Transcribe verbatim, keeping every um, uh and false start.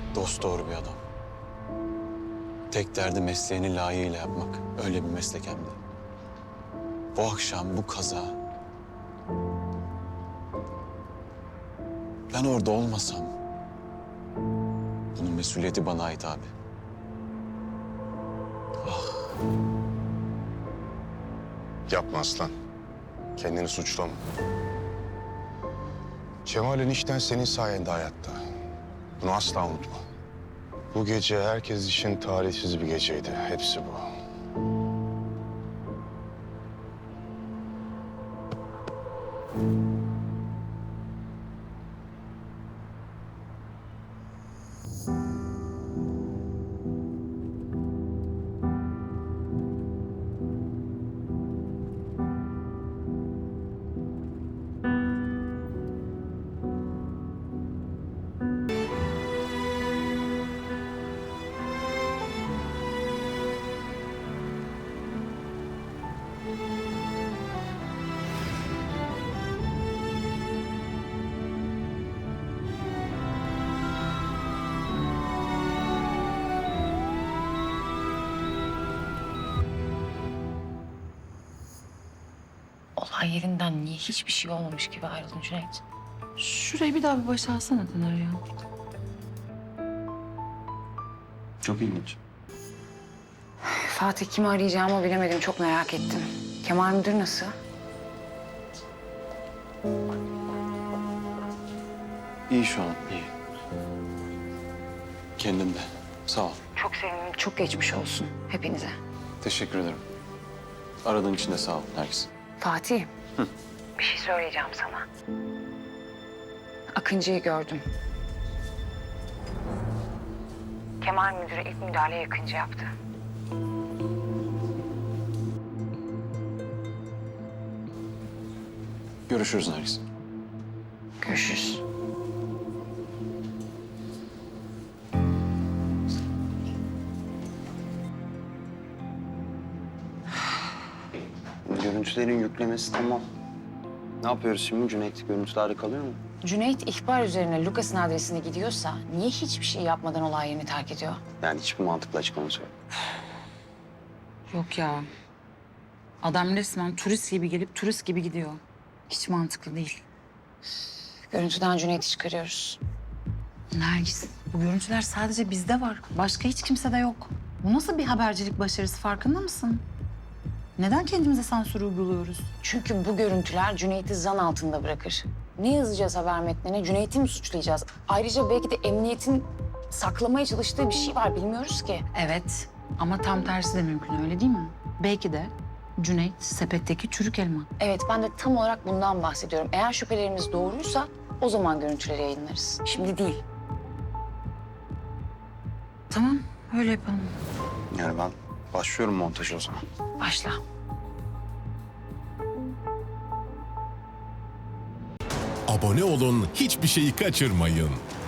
Dosdoğru bir adam. Tek derdi mesleğini layığıyla yapmak. Öyle bir meslek hem de. Bu akşam bu kaza... Ben orada olmasam... Bunun mesuliyeti bana ait abi. Yapma aslan. Kendini suçlama. Cemal enişten senin sayende hayatta. Bunu asla unutma. Bu gece herkes için talihsiz bir geceydi. Hepsi bu. Olay yerinden niye hiçbir şey olmamış gibi ayrıldın Cüneyt? Şurayı bir daha bir başa alsana Taner ya. Çok ilginç. Fatih kimi arayacağımı bilemedim. Çok merak ettim. Kemal müdür nasıl? İyi şu an, iyi. Kendimde. Sağ ol. Çok sevindim. Çok geçmiş olsun hepinize. Teşekkür ederim. Aradığın için de sağ ol Nergis. Fatih. Bir şey söyleyeceğim sana. Akıncı'yı gördüm. Kemal müdüre ilk müdahaleyi Akıncı yaptı. Görüşürüz Nergis. Görüşürüz. Görüntülerin yüklemesi tamam. Ne yapıyoruz şimdi? Cüneyt görüntülerde kalıyor mu? Cüneyt ihbar üzerine Lucas'ın adresine gidiyorsa niye hiçbir şey yapmadan olay yerini terk ediyor? Yani hiçbir mantıklı açıklaması yok. Yok ya. Adam resmen turist gibi gelip turist gibi gidiyor. Hiç mantıklı değil. Görüntüden Cüneyt'i çıkarıyoruz. Nergis, bu görüntüler sadece bizde var. Başka hiç kimsede yok. Bu nasıl bir habercilik başarısı, farkında mısın? Neden kendimize sansür uyguluyoruz? Çünkü bu görüntüler Cüneyt'i zan altında bırakır. Ne yazacağız haber metnine? Cüneyt'i mi suçlayacağız? Ayrıca belki de emniyetin saklamaya çalıştığı bir şey var, bilmiyoruz ki. Evet ama tam tersi de mümkün, öyle değil mi? Belki de Cüneyt sepetteki çürük elma. Evet, ben de tam olarak bundan bahsediyorum. Eğer şüphelerimiz doğruysa o zaman görüntüleri yayınlarız. Şimdi değil. Tamam, öyle yapalım. Yani ben başlıyorum montaja o zaman. Başla. Abone olun, hiçbir şeyi kaçırmayın.